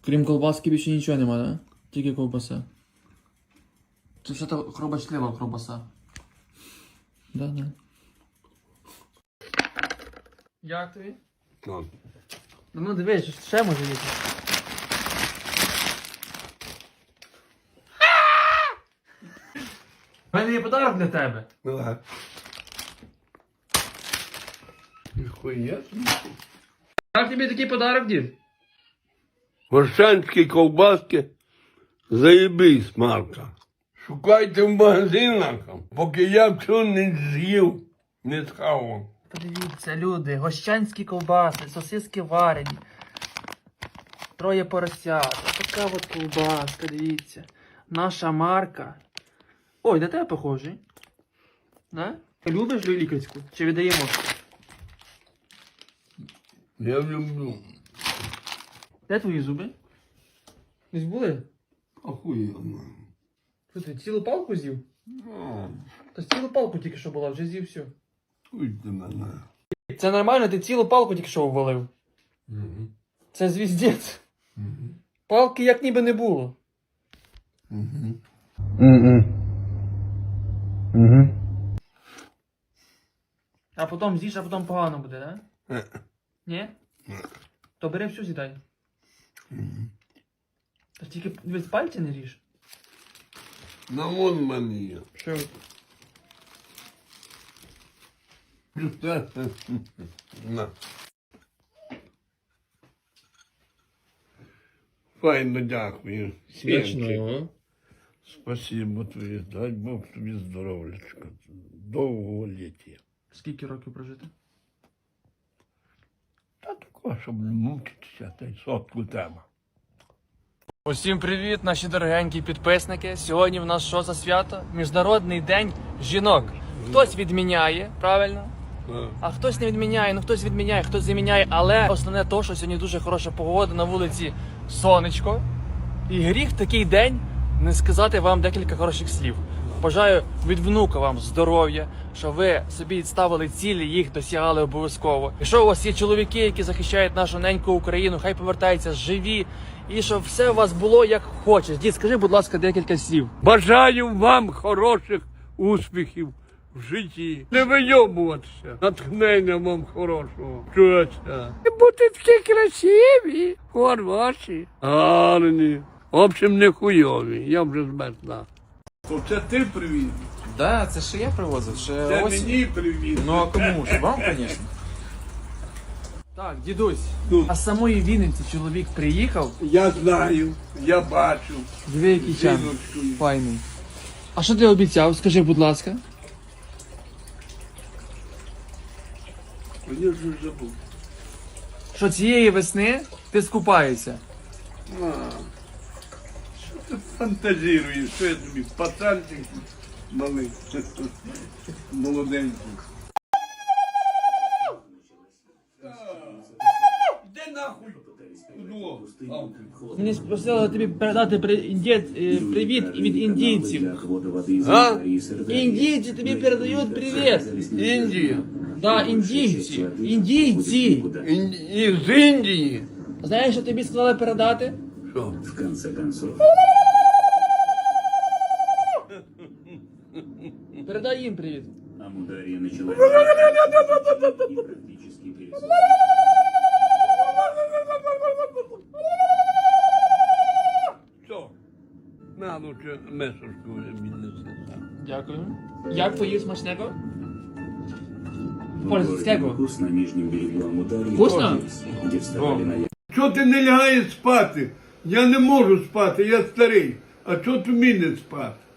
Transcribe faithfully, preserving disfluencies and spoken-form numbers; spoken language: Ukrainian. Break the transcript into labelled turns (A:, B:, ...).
A: Крім колбаски більше нічого нема, да? Тільки ковбаса. Це все то хробачлива ковбаса. Да, да. Як тобі?
B: Так.
A: Ну дивись, ще може бути. У мене є подарок для тебе.
B: Давай. Ніхуя.
A: Як тобі такий подарок, дід?
B: Горшанські ковбаски заєбись, Марка. Шукайте в магазинах, поки я все не з'їв, не схавав.
A: Подивіться, люди, гощанські ковбаси, сосиски варені. Троє поросят. Ось така от ковбаска, дивіться. Наша марка. Ой, на тебе похожий. Да? Ти любиш лікарську? Чи віддаємо?
B: Я люблю.
A: Де твої зуби? Десь були?
B: Охуєнно.
A: Що ти, цілу палку з'їв?
B: Ну,
A: Та цілу палку тільки що була, вже з'їв все.
B: уйди мене.
A: Це нормально, ти цілу палку тільки що ввалив.
B: Угу.
A: Це звіздець.
B: Угу.
A: Палки як ніби не було.
B: Угу. Угу. Угу.
A: А потім з'їш, а потім погано буде, да?
B: Е.
A: Ні? То бери всю з'їдай.
B: Угу.
A: Та тільки дивись, пальці не ріж.
B: На вон в мене є.
A: Що?
B: На. Файно дякую. Сенчик. Спасибо тобі. Дай Бог тобі здоров'ячка. Довгого ліття.
A: Скільки років прожити?
B: Та тако, щоб не мучитися, та й сотку треба.
A: Усім привіт, наші дорогенькі підписники. Сьогодні в нас що за свято? Міжнародний день жінок. Хтось відміняє, правильно? А хтось не відміняє, ну хтось відміняє, хтось заміняє. Але основне то, що сьогодні дуже хороша погода, на вулиці сонечко. І гріх в такий день не сказати вам декілька хороших слів. Бажаю від внука вам здоров'я, що ви собі ставили цілі, їх досягали обов'язково. Якщо у вас є чоловіки, які захищають нашу неньку Україну, хай повертаються живі. І щоб все у вас було як хочеш. Дід, скажи, будь ласка, декілька слів.
B: Бажаю вам хороших успіхів в житті. Не вийобуватися. Натхнення вам хорошого. Чуєте? Бути такі красиві, хороші, гарні. В общем, не хуйові. Я вже змерзла. Це ти привіз?
C: Да, це ще я привозив, ще
B: Це
C: ось.
B: мені привіз.
C: Ну а кому ж? Вам, звісно.
A: Так, дідусь,
B: Ну.
A: а з самої Вінниці чоловік приїхав.
B: Я знаю, я бачу.
A: Диви, який чан.
B: Жіночкою.
A: Файний. А що ти обіцяв? Скажи, будь ласка.
B: Я вже забув.
A: Що цієї весни ти скупаєшся.
B: А, що ти фантазіруєш? Що я тобі, пацанчик малий, молоденький. Де нахуй? Зло.
A: Мені просили тобі передати при... індієць, е, привіт від індійців.
B: А?
A: Індійці тобі передають привіт.
B: Індія.
A: Да, індійці. Індійці.
B: Ін... Із Індії.
A: Знаєш, що тобі сказали передати?
B: Що?
D: В конце концов,
A: Передай їм привіт.
D: Амудария начала и практически перестала.
B: Що? На, лучше месочку віднеси.
A: Дякую. Як поїв смачнего?
D: В
A: Польського.
D: Баку на нижнем берегу Амударии,
A: Вкусно?
D: где вставали на
B: Чого ти не лягаєш спати? Я не можу спати, я старий. А чого тобі не спати?